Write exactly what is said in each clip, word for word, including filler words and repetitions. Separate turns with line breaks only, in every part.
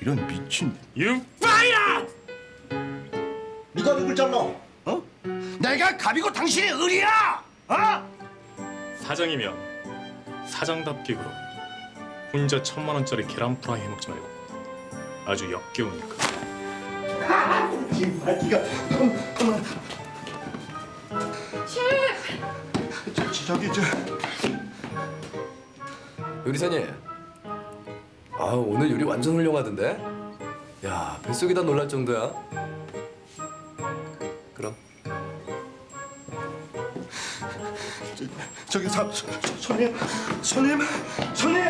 이런 미친.
육바야!
누가 누굴 잘라? 어? 내가 갑이고 당신이 을이야! 어?
사장이면 사장답게 굴어. 혼자 천만 원짜리 계란 프라이 해먹지 말고 아주 역겨우니까.
정말 네가 그만.
셰프!
저, 저, 저기 저.
요리사님, 아 오늘 요리 완전 훌륭하던데? 야, 뱃속이 다 놀랄 정도야. 그럼
저, 저기 사, 서, 손님, 손님, 손님.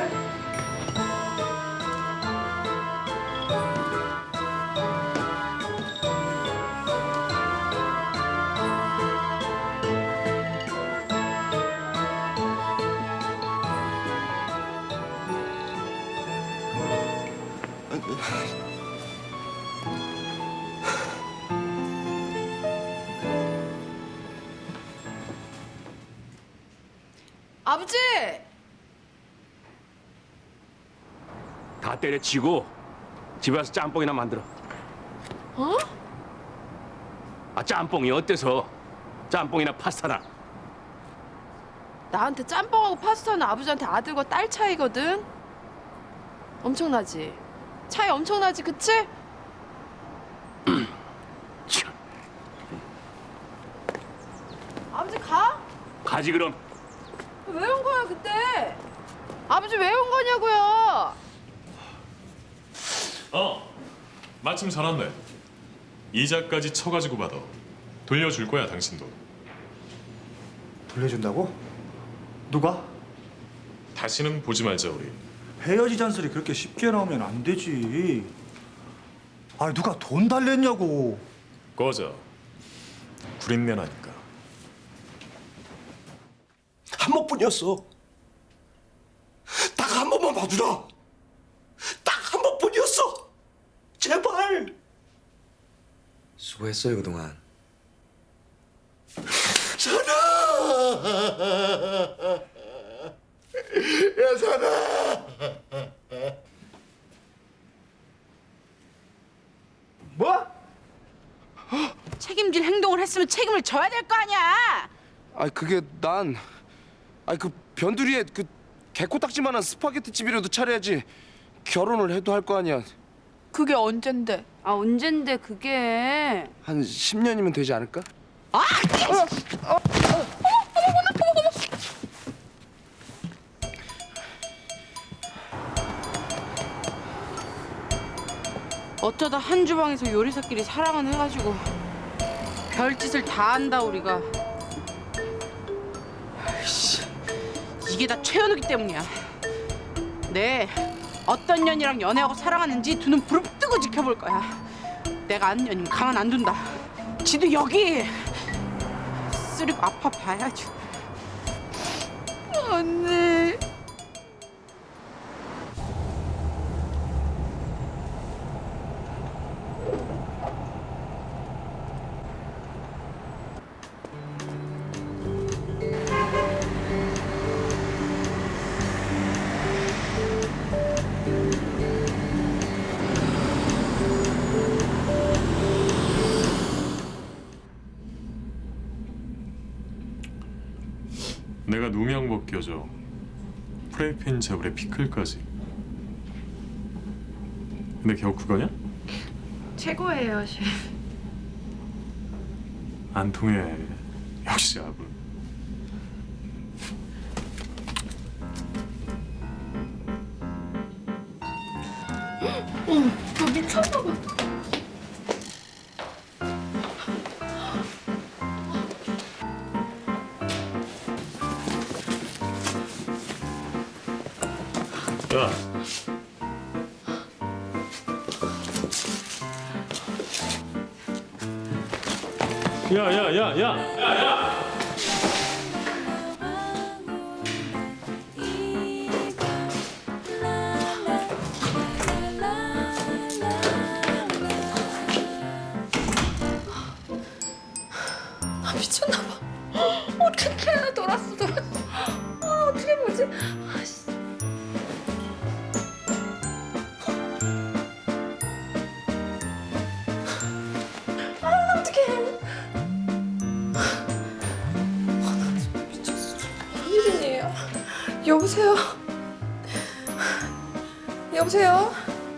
아버지!
다 때려치고 집에 와서 짬뽕이나 만들어.
어?
아, 짬뽕이 어때서? 짬뽕이나 파스타나.
나한테 짬뽕하고 파스타는 아버지한테 아들과 딸 차이거든? 엄청나지? 차이 엄청나지, 그치?
참,
아버지 가?
가지 그럼.
왜 온 거야, 그때? 아버지 왜 온 거냐고요?
어, 마침 잘 왔네. 이자까지 쳐가지고 받아. 돌려줄 거야 당신도.
돌려준다고? 누가?
다시는 보지 말자 우리.
헤어지자는 소리 그렇게 쉽게 나오면 안 되지. 아, 누가 돈 달랬냐고.
꺼져. 구린내 나니까.
한 번뿐이었어. 딱 한 번만 봐주라. 딱 한 번뿐이었어. 제발.
수고했어요 그동안.
사나. 야 사나.
뭐?
책임질 행동을 했으면 책임을 져야 될 거 아니야!
아 그게 난, 아 그 변두리에 그 개코딱지만한 스파게티 집이라도 차려야지. 결혼을 해도 할 거 아니야.
그게 언젠데?
아 언젠데 그게.
한 십 년이면 되지 않을까?
어쩌다 한 주방에서 요리사끼리 사랑은 해가지고 별짓을 다 한다 우리가. 아이씨, 이게 다 최현욱이 때문이야. 네, 어떤 년이랑 연애하고 사랑하는지 두 눈 부릅뜨고 지켜볼 거야. 내가 아는 년이면 가만 안 둔다. 지도 여기 쓰리고 아파 봐야지. 언니.
내가 누명 벗겨줘. 프라이팬 자불에 피클까지. 근데 겨우 그거냐?
최고예요, 셰프.
안 통해. 역시 아부.
너 미쳤나 봐.
야. 야, 야, 야, 야. 야, 야.
아, 미쳤나 봐. 어떡해, 돌았어, 돌았어. 아, 어떻게 보지? 아씨. 여보세요? 여보세요?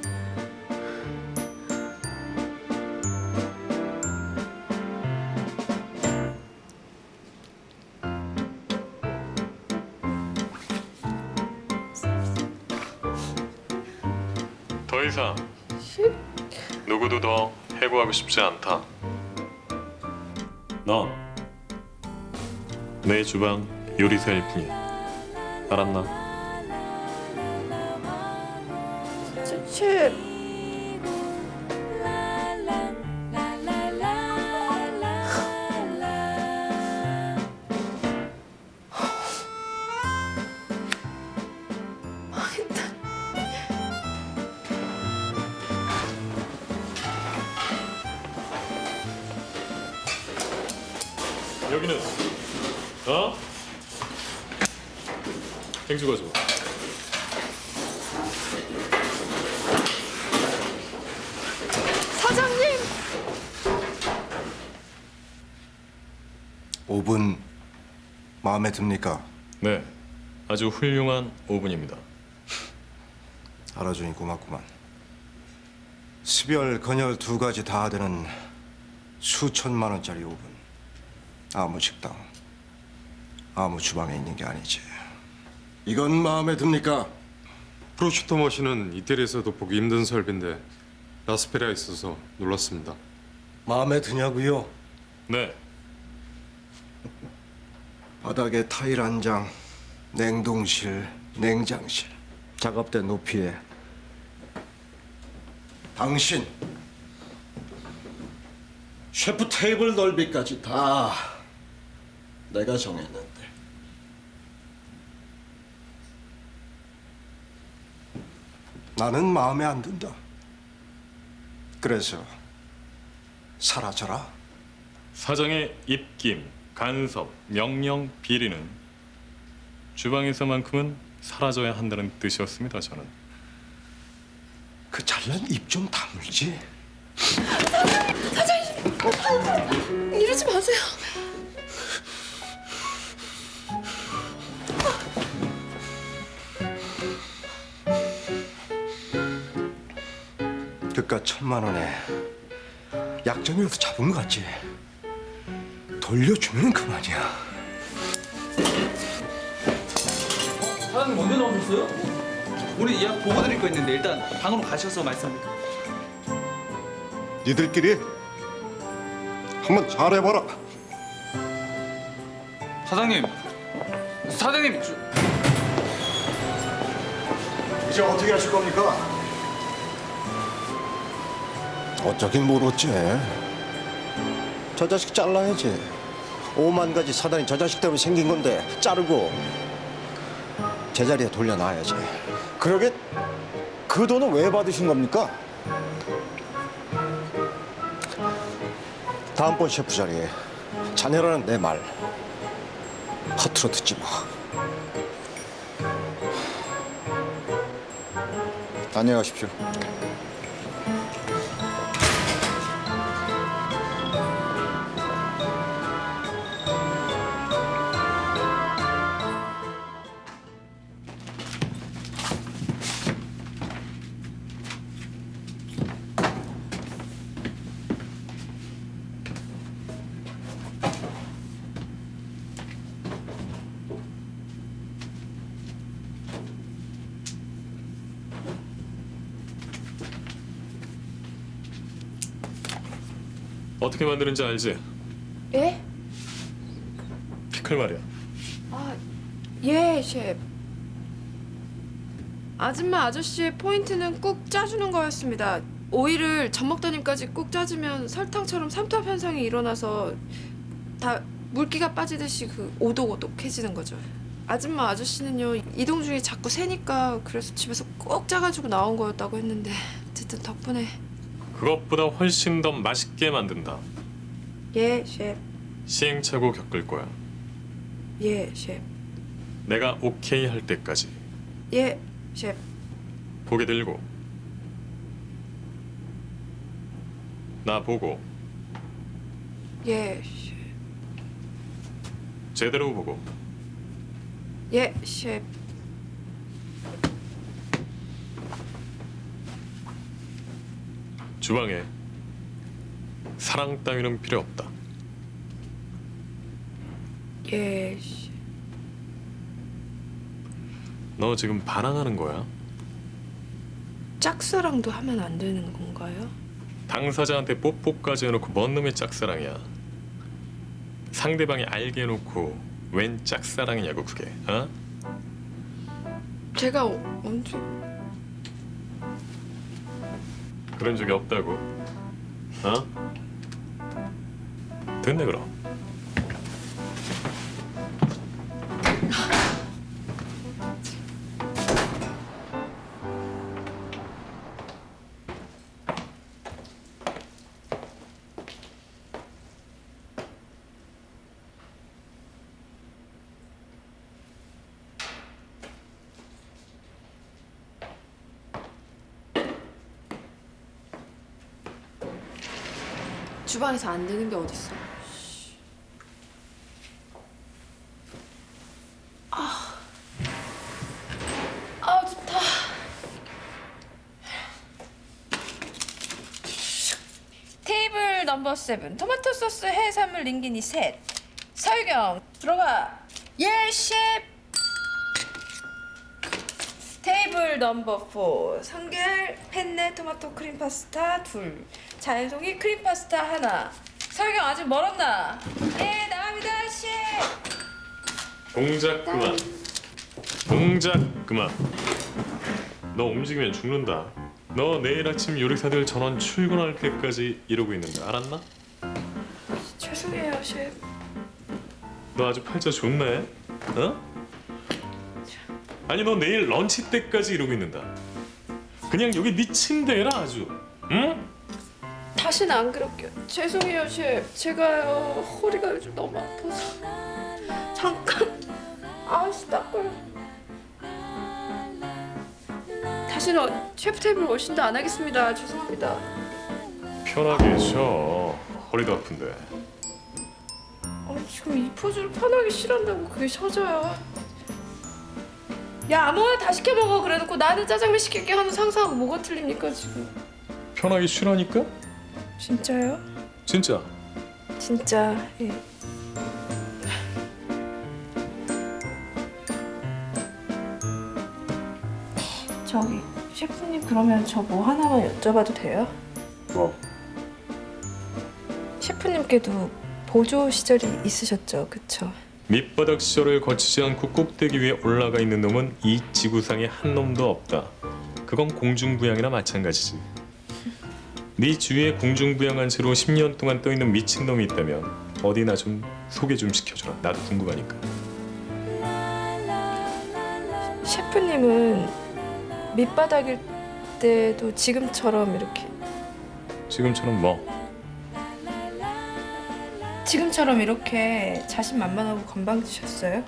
더 이상 누구도 더 해고하고 싶지 않다. 넌 내 주방 요리사일 뿐이야. 알았나?
셰프.
여기는 어? 행주 가져.
사장님!
오 분 마음에 듭니까?
네, 아주 훌륭한 오 분입니다.
알아주니 고맙구만. 습열, 건열 두 가지 다 되는 수천만 원짜리 오 분. 아무 식당, 아무 주방에 있는 게 아니지. 이건 마음에 듭니까?
프로슈터 머신은 이태리에서도 보기 힘든 설비인데 라스페리아에 있어서 놀랐습니다.
마음에 드냐고요?
네,
바닥에 타일 한 장, 냉동실, 냉장실, 작업대 높이에 당신 셰프 테이블 넓이까지 다 내가 정했는데 나는 마음에 안 든다. 그래서 사라져라.
사장의 입김, 간섭, 명령, 비리는 주방에서만큼은 사라져야 한다는 뜻이었습니다. 저는.
그 잘난 입 좀 다물지.
이러지 마세요.
그깟 천만 원에 약점이라도 잡은 것 같지. 돌려주면 그만이야.
사장님 언제 나오셨어요? 우리 예약 보고 드릴 거 있는데 일단 방으로 가셔서 말씀.
니들끼리 한번 잘해봐라.
사장님, 사장님. 저...
이제 어떻게 하실 겁니까? 어쩌긴 뭘 어째. 저 자식 잘라야지. 오만 가지 사단이 저 자식 때문에 생긴 건데 자르고 제자리에 돌려놔야지.
그러게 그 돈은 왜 받으신 겁니까?
다음번 셰프 자리에 자네라는 내 말 허투루 듣지 마.
안녕히 가십시오.
어떻게 만드는지 알지?
예?
피클 말이야.
아, 예, 셰프. 아줌마 아저씨의 포인트는 꾹 짜주는 거였습니다. 오이를 젖먹다님까지 꾹 짜주면 설탕처럼 삼투압 현상이 일어나서 다 물기가 빠지듯이 그 오독오독해지는 거죠. 아줌마 아저씨는요 이동 중에 자꾸 새니까 그래서 집에서 꼭 짜가지고 나온 거였다고 했는데 어쨌든 덕분에.
그것보다 훨씬 더 맛있게 만든다.
예, 셰프.
시행착오 겪을 거야.
예, 셰프.
내가 오케이 할 때까지.
예, 셰프.
고개 들고 나 보고
예, 셰프.
제대로 보고
예, 셰프.
주방에 사랑 따위는 필요 없다.
예, 셰프.
너 지금 반항하는 거야?
짝사랑도 하면 안 되는 건가요?
당사자한테 뽀뽀까지 해놓고 뭔 놈의 짝사랑이야? 상대방이 알게 해놓고 웬 짝사랑이냐고 그게, 어?
제가 어- 언제...
그런 적이 없다고, 어? 됐네 그럼.
주방에서 안 되는 게 어딨어? 아, 아 좋다. 테이블 넘버 세븐 토마토 소스 해산물 링기니 셋. 설경 들어가. 예 셰프. 테이블 넘버 사 성게알 펜네 토마토 크림 파스타 둘. 자연송이 크림 파스타 하나. 설경 아직 멀었나? 예 나갑니다 셰프.
동작 그만. 동작 그만. 너 움직이면 죽는다. 너 내일 아침 요리사들 전원 출근할 때까지 이러고 있는데 알았나?
죄송해요 셰프.
너 아주 팔자 좋네. 어? 아니 너 내일 런치 때까지 이러고 있는다. 그냥 여기 네 침대라 아주. 응?
다시는 안 그럴게요. 죄송해요 셰프. 제가요 허리가 요즘 너무 아파서. 잠깐. 아씨 닦아요. 다시는 어- 셰프 테이블 워신도 안 하겠습니다. 죄송합니다.
편하게 쉬어. 허리도 아픈데.
아니 지금 이 포즈를 편하게 쉬란다고 그게 쉬어져요. 야 아무거나 다 시켜 먹어 그래놓고 나는 짜장면 시킬게 하는 상사하고 뭐가 틀립니까 지금?
편하게 쉬라니까?
진짜요?
진짜.
진짜 예. 저기 셰프님 그러면 저 뭐 하나만 여쭤봐도 돼요?
뭐?
셰프님께도 보조 시절이 있으셨죠, 그쵸?
밑바닥 시절을 거치지 않고 꼭대기 위에 올라가 있는 놈은 이 지구상에 한 놈도 없다. 그건 공중부양이나 마찬가지지. 네 주위에 공중부양한 채로 십 년 동안 떠 있는 미친 놈이 있다면 어디나 좀 소개 좀 시켜줘라. 나도 궁금하니까.
셰프님은 밑바닥일 때도 지금처럼 이렇게
지금처럼 뭐?
지금처럼 이렇게 자신만만하고 건방지셨어요?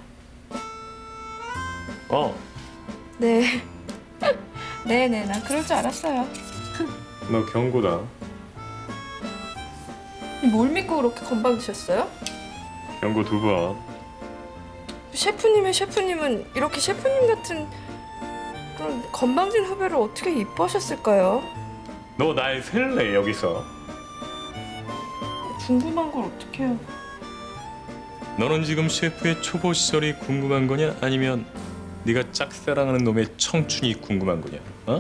어,
네. 네네, 난 그럴 줄 알았어요.
너 경고다.
뭘 믿고 그렇게 건방지셨어요?
경고 두 번.
셰프님의 셰프님은 이렇게 셰프님 같은 그런 건방진 후배를 어떻게 이뻐하셨을까요?
너 날 셀래 여기서.
궁금한 걸 어떻게 해요?
너는 지금 셰프의 초보 시절이 궁금한 거냐? 아니면 네가 짝사랑하는 놈의 청춘이 궁금한 거냐? 어?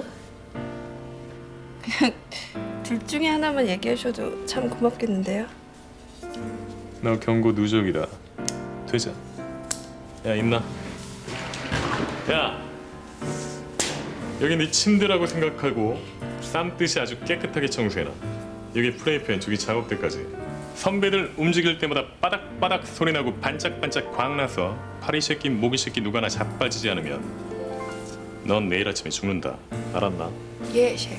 둘 중에 하나만 얘기하셔도 참 고맙겠는데요.
너 경고 누적이다. 되자. 야 임나. 야 여기 네 침대라고 생각하고 쌈듯이 아주 깨끗하게 청소해놔. 여기 프라이팬 저기 작업대까지. 선배들 움직일 때마다 빠닥빠닥 소리나고 반짝반짝 광나서 파리 새끼 모기 새끼 누가나 자빠지지 않으면 넌 내일 아침에 죽는다. 알았나?
예, 셰프.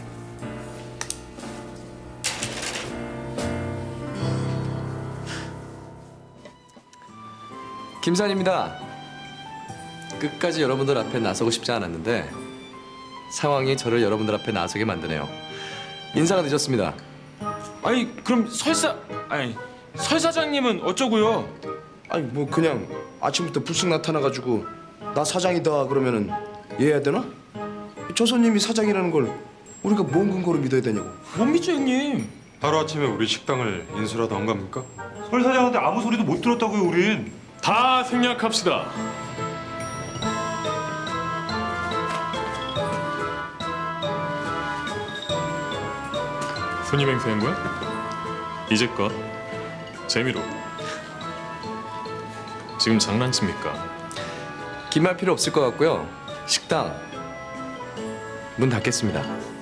김산입니다. 끝까지 여러분들 앞에 나서고 싶지 않았는데 상황이 저를 여러분들 앞에 나서게 만드네요. 인사가 늦었습니다.
아니 그럼 설사 아니 설 사장님은 어쩌고요?
아니 뭐 그냥 아침부터 불쑥 나타나가지고 나 사장이다 그러면은 이해해야 되나? 저 손님이 사장이라는 걸 우리가 뭔 근거로 믿어야 되냐고.
못 믿죠 형님.
하루아침에 우리 식당을 인수라도 한 겁니까?
설 사장한테 아무 소리도 못 들었다고요, 우린.
다 생략합시다. 손님 행세한 거야? 이제껏 재미로. 지금 장난칩니까?
긴말 필요 없을 것 같고요. 식당 문 닫겠습니다.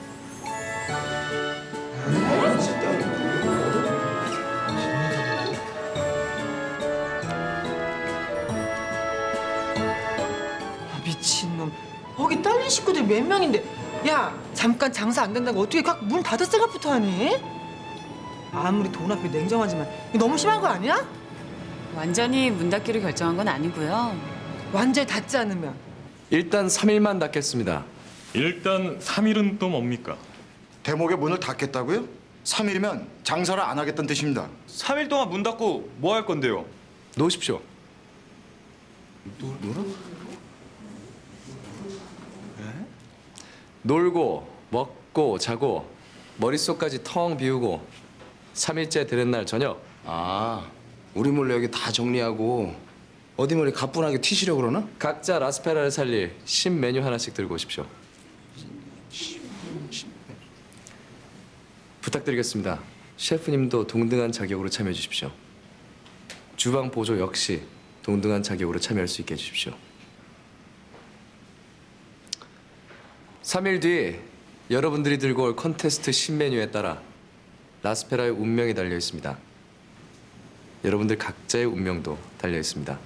미친놈. 거기 딸린 식구들 몇 명인데. 야, 잠깐 장사 안 된다고 어떻게 각 문 닫을 생각부터 하니? 아무리 돈 앞에 냉정하지만 이거 너무 심한 거 아니야?
완전히 문 닫기로 결정한 건 아니고요.
완전히 닫지 않으면.
일단 삼 일만 닫겠습니다.
일단 삼 일은 또 뭡니까?
대목에 문을 닫겠다고요? 삼 일이면 장사를 안 하겠다는 뜻입니다.
삼 일 동안 문 닫고 뭐 할 건데요?
놓으십시오. 놀고 먹고 자고 머릿속까지 텅 비우고 삼 일째 되는 날 저녁.
아, 우리 몰래 여기 다 정리하고 어디 머리 가뿐하게 튀시려고 그러나?
각자 라스페라를 살릴 신메뉴 하나씩 들고 오십시오. 부탁드리겠습니다. 셰프님도 동등한 자격으로 참여해 주십시오. 주방 보조 역시 동등한 자격으로 참여할 수 있게 해주십시오. 삼 일 뒤 여러분들이 들고 올 컨테스트 신메뉴에 따라 라스페라의 운명이 달려 있습니다. 여러분들 각자의 운명도 달려 있습니다.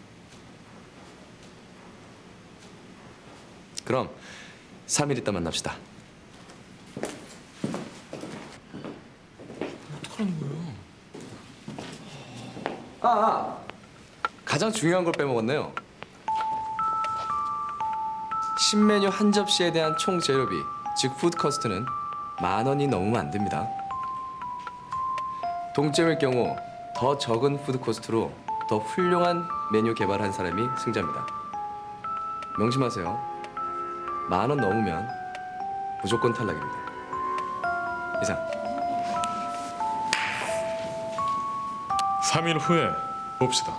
그럼 삼 일 있다 만납시다.
어떡하는 거야?
아, 아, 가장 중요한 걸 빼먹었네요. 신메뉴 한 접시에 대한 총 재료비, 즉 푸드 커스트는 만 원이 넘으면 안 됩니다. 동점일 경우 더 적은 푸드 코스트로 더 훌륭한 메뉴 개발한 사람이 승자입니다. 명심하세요. 만 원 넘으면 무조건 탈락입니다. 이상.
삼 일 후에 봅시다.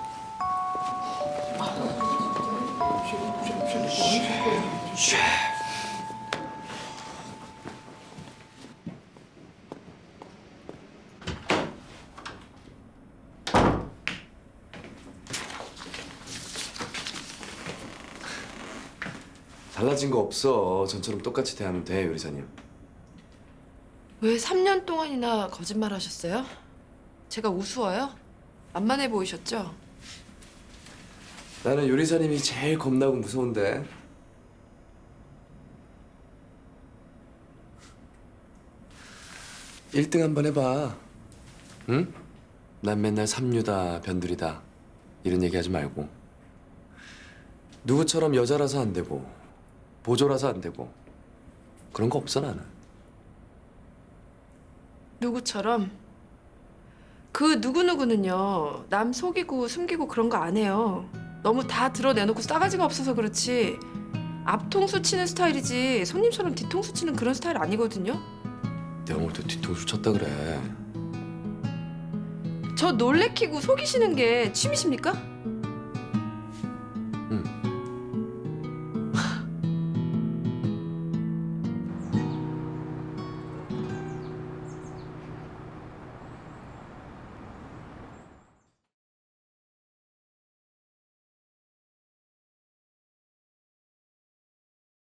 달라진 거 없어. 전처럼 똑같이 대하면 돼, 요리사님.
왜 삼 년 동안이나 거짓말 하셨어요? 제가 우스워요? 만만해 보이셨죠?
나는 요리사님이 제일 겁나고 무서운데. 일 등 한번 해봐. 응? 난 맨날 삼류다, 변두리다 이런 얘기하지 말고. 누구처럼 여자라서 안 되고 보조라서 안 되고 그런 거 없어 나는.
누구처럼? 그 누구누구는요 남 속이고 숨기고 그런 거 안 해요. 너무 다 드러내놓고 싸가지가 없어서 그렇지 앞통수 치는 스타일이지 손님처럼 뒤통수 치는 그런 스타일 아니거든요.
내가 뭘 또 뒤통수 쳤다 그래.
저 놀래키고 속이시는 게 취미십니까?